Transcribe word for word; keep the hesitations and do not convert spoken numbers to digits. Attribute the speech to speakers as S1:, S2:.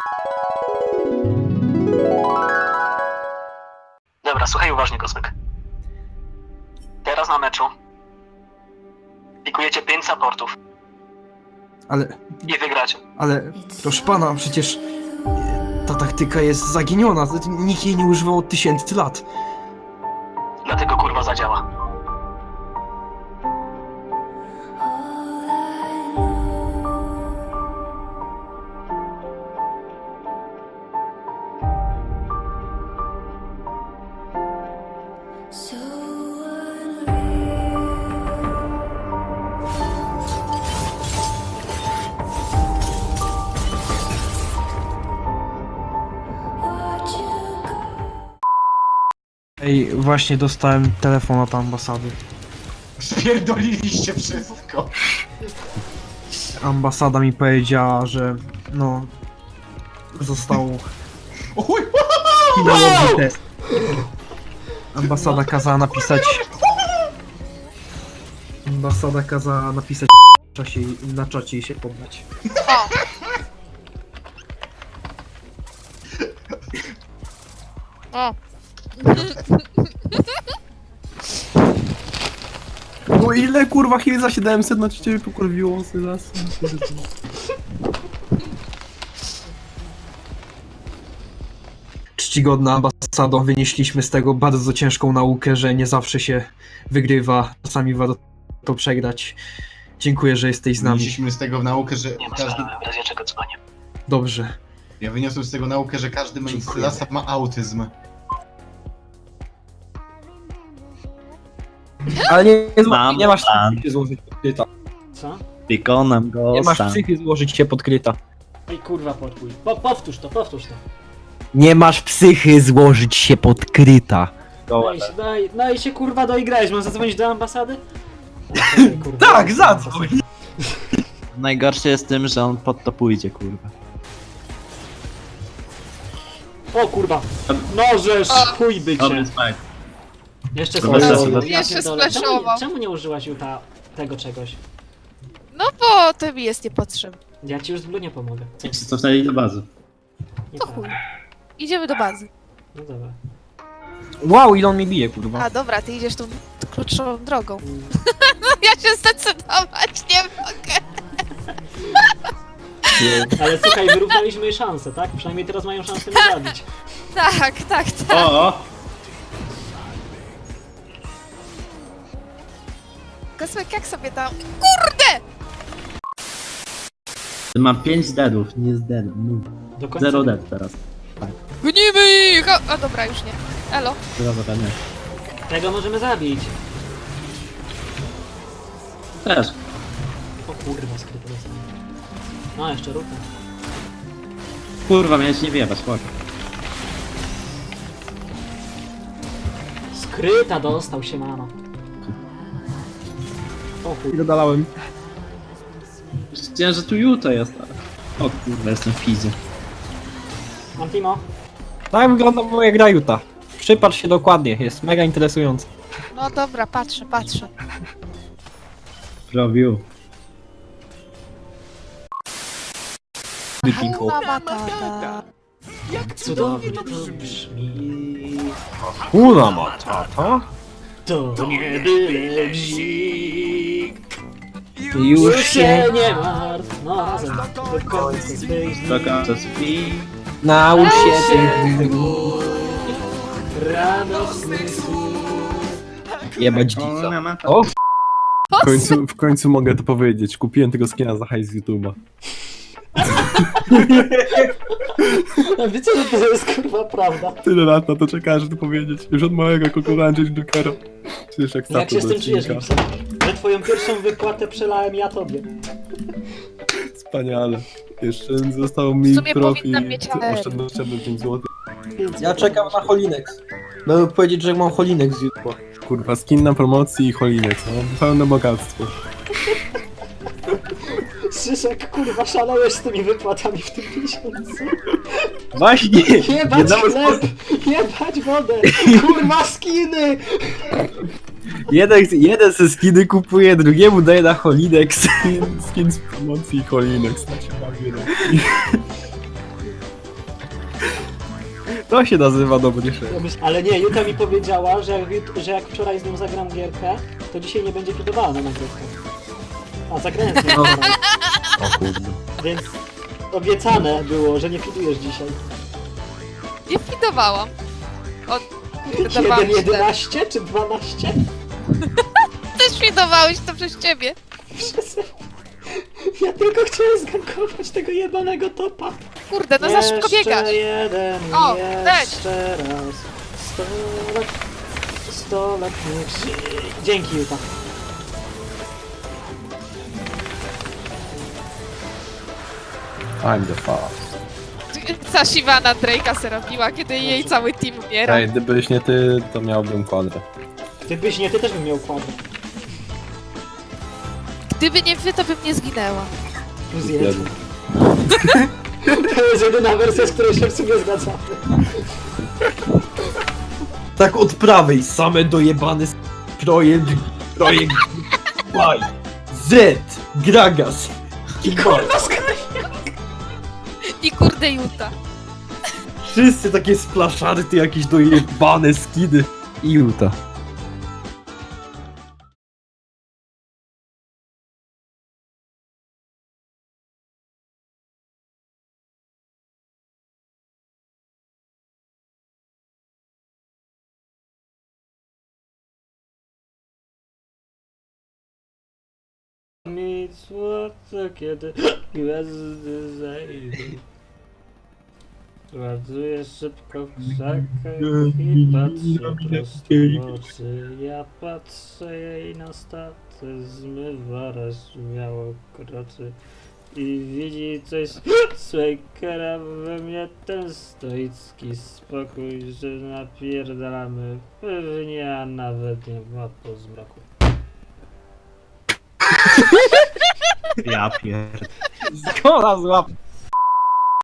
S1: Dobra, słuchaj uważnie, Kosmyk. Teraz na meczu pikujecie pięć supportów
S2: Ale,
S1: i wygracie.
S2: ale, proszę pana, przecież ta taktyka jest zaginiona. Nikt jej nie używał od tysięcy lat.
S1: Dlatego kurwa zadziała.
S2: Ej, właśnie dostałem telefon od ambasady.
S3: Spierdoliliście wszystko.
S2: Ambasada mi powiedziała, że no został
S3: Uj,
S2: finałowy test. Ambasada kazała napisać. Ambasada kazała napisać w czasie, na czacie i się poddać.
S4: O!
S5: No ile kurwa chwili za siedemset na ciebie pokurwiło Sylas?
S2: Czcigodna ambasado, wynieśliśmy z tego bardzo ciężką naukę, że nie zawsze się wygrywa, czasami warto to przegrać. Dziękuję, że jesteś z nami.
S3: Wynieśliśmy z tego naukę, że
S1: Nie ma
S3: każdy...
S1: sprawy, w razie czego dzwonię.
S2: Dobrze.
S3: Ja wyniosłem z tego naukę, że każdy Sylasa ma autyzm.
S5: Ale nie, nie,
S6: Mam
S5: nie masz
S6: plan.
S5: psychy złożyć pod kryta.
S7: Co?
S6: Wykonam go
S5: Nie masz
S6: sam.
S5: psychy złożyć się pod kryta.
S7: Ej kurwa, podpój. Po, powtórz to, powtórz to.
S6: Nie masz psychy złożyć się pod kryta.
S7: No i, się, no, i, no i się kurwa doigrałeś, mam zadzwonić do ambasady? Ej, kurwa,
S5: Tak,
S7: do
S5: zadzwoń!
S7: ambasady.
S6: Najgorsze jest tym, że on pod to pójdzie, kurwa.
S7: O kurwa! Nożesz! Chuj bycie!
S6: smak.
S7: Jeszcze
S6: Dobra,
S7: splashował.
S6: dobra.
S7: Ja
S4: Jeszcze
S7: pierdolę. Czemu, nie-
S4: splashował.
S7: czemu nie użyłaś Juta tego czegoś?
S4: No bo to mi jest niepotrzebne.
S7: Ja ci już z Blue nie pomogę. Co?
S6: Cofnęli do bazy.
S7: Nie
S4: To
S7: tak.
S4: chuj. Idziemy do bazy.
S7: No dobra.
S5: Wow, ile on mi bije kurwa.
S4: A dobra, ty idziesz tą krótszą drogą. No ja się zdecydować nie mogę.
S7: Ale słuchaj, wyrównaliśmy jej szansę, tak? Przynajmniej teraz mają szansę mnie zabić.
S4: Tak, tak, tak.
S6: O, o!
S4: Kosmek, jak sobie tam... Kurde!
S6: Mam pięć deadów, nie z deadów. No.
S7: Do końca.
S6: Zero dead teraz.
S4: Gonimy ich! A, a dobra, już nie. Elo.
S6: Dobra, nie.
S7: Tego możemy zabić.
S6: Też.
S7: O kurwa, skryto dostałem. No, jeszcze rucha.
S6: Kurwa, miałeś nie wjebać, chodź.
S7: Skryta dostał się, mano. O chuj.
S5: Dodalałem.
S6: Chciałem, że tu Juto jest. ale- O kurwa, jestem w fizie.
S7: Mam Timo.
S5: Tak wygląda moja gra Juta. Przypatrz się dokładnie, jest mega interesujący.
S4: No dobra, patrzę, patrzę.
S6: Robił.
S4: Hakuna Matata.
S7: Cudownie to brzmi.
S5: Kuna matata.
S7: To nie byle bzik.
S5: Już
S7: Już
S5: się
S7: się nie martw. No razem. Do końca swych dni.
S6: Do końca spi.
S5: naucz się
S7: Się
S5: tych
S7: gór. Radosnych słów.
S5: jebać dzika. O,
S8: W końcu, w końcu mogę to powiedzieć. Kupiłem tego skina za hajs z YouTube'a.
S7: A wiecie, że to jest kurwa prawda.
S8: Tyle lat na to czekałem, żeby to powiedzieć. Już od małego kokonałem Jokera. Przecież jak
S7: Jak się z
S8: do
S7: tym czujesz,
S8: odcinka.
S7: Gibson? Że twoją pierwszą wypłatę przelałem ja tobie.
S8: Wspaniale. Jeszcze został mi
S4: W sumie
S8: profi
S4: powinnam mieć A R.
S8: oszczędnościowy pięć złotych.
S2: Ja czekam na Holinex. Będę powiedzieć, że mam Holinex z YouTube'a.
S8: Kurwa, skin na promocji i Holinex. No, pełne bogactwo.
S7: Szyszek, kurwa, szalałeś z tymi wypłatami w tym miesiącu.
S5: właśnie!
S7: Jebać chleb! Jebać wodę! Kurwa, skiny!
S5: Jeden, jeden ze skiny kupuje, drugiemu daje na Holinex.
S8: Skin, skin z promocji i Holinex. Tak się bawię, no.
S5: To się nazywa dobry szef.
S7: Ja myśl- Ale nie, Juta mi powiedziała, że jak, jut- że jak wczoraj z nią zagram gierkę, to dzisiaj nie będzie fidowała na nagrywkę. A zagrałem z nią wczoraj,
S6: O kurde.
S7: więc obiecane było, że nie fidujesz dzisiaj.
S4: Nie fidowałam. Od... Kurde, dawałam
S7: jeden
S4: źle.
S7: jedenaście czy dwanaście?
S4: Też fidowałeś to przez ciebie.
S7: Ja tylko chciałem zgankować tego jebanego topa.
S4: Kurde, no za szybko biegasz.
S7: Jeszcze jeden,
S4: O,
S7: jeszcze raz. Sto lat, sto lat niech żyje. Dzięki, Juta.
S8: I'm the fast.
S4: Ta Sivana Drake'a se robiła, kiedy jej cały team umiera.
S8: Ej, gdybyś nie ty, to miałbym kwadrę.
S7: Gdybyś nie, ty też bym miał kwadrat.
S4: Gdyby nie wy, to bym nie zginęła.
S7: Plus jeden. To jest jedyna wersja, z której się w sumie zgadzamy.
S2: Tak od prawej, same dojebany s- projekt, projekt, Y, Z, Gragas,
S7: I kurwa skaj!
S4: I kurde Juta.
S2: wszyscy takie splaszarty, jakieś dojebane skiny.
S5: I Juta.
S7: Mi słońce, kiedy gwiazdy zejdą. Ładuję szybko w krzakach i patrzę prosto w oczy. Ja patrzę jej na staty, zmywa raz śmiało kroczy. I widzi coś Swakera we mnie, ten stoicki spokój, że napierdalamy pewnie, a nawet nie ma po zmroku.
S6: Ja pierd...
S5: Kola złap.